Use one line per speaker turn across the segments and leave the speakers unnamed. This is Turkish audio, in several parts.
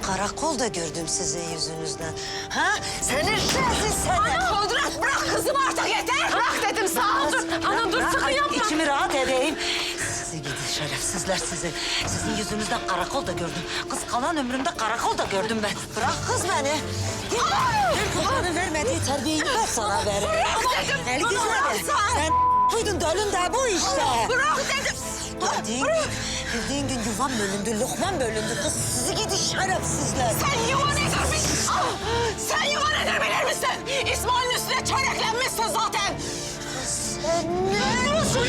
karakolda gördüm sizin yüzünüzden. Ha? Sen hırsızsın sen.
Ana Kudret bırak kızımı artık yeter. Bırak dedim sağ ol. Ana dur sakın yapma.
İçimi rahat edeyim. Sizi gidin şerefsizler sizi. Sizin yüzünüzden karakolda gördüm. Kız kalan ömrümde karakolda gördüm ben. Bırak kız beni. Git. Babanın vermediği terbiyeyi ben sana veririm.
Bırak dedim.
El
Bunu
güzeli.
bıraksan.
Sen buydun dölün de bu işte.
Bırak dedim.
Bildiğin gün yuvam bölündü, lokman bölündü. Kız sizi gidin şerefsizler.
Sen yuva nedir? Sen yuva nedir bilir misin? İsmail'in üstüne çöreklenmişsin zaten.
Sen ne diyorsun?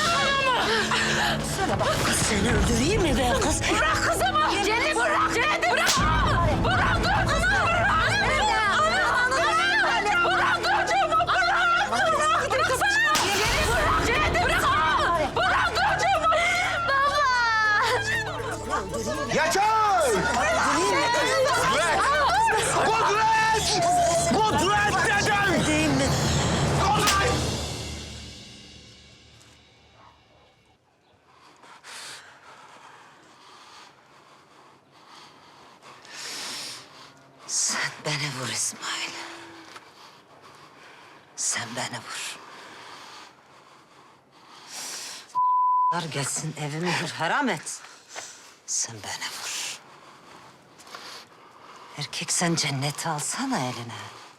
Sana bak kız seni öldüreyim mi be kız?
Bırak kızımı. Cennet bırak. Cennet bırak. Bırak dur kızımı. Bırak. Bırak çocuğumu. Bırak. Bıraksana. Cennet bırak. Bırak çocuğumu. Baba.
Yaşar! Kudret! Kudret dedim!
Öldüreyim mi?
Kudret!
Sen beni vur İsmail. Sen beni vur. Gelsin evimi haram et. Sen beni vur. Erkek sen cenneti alsana eline.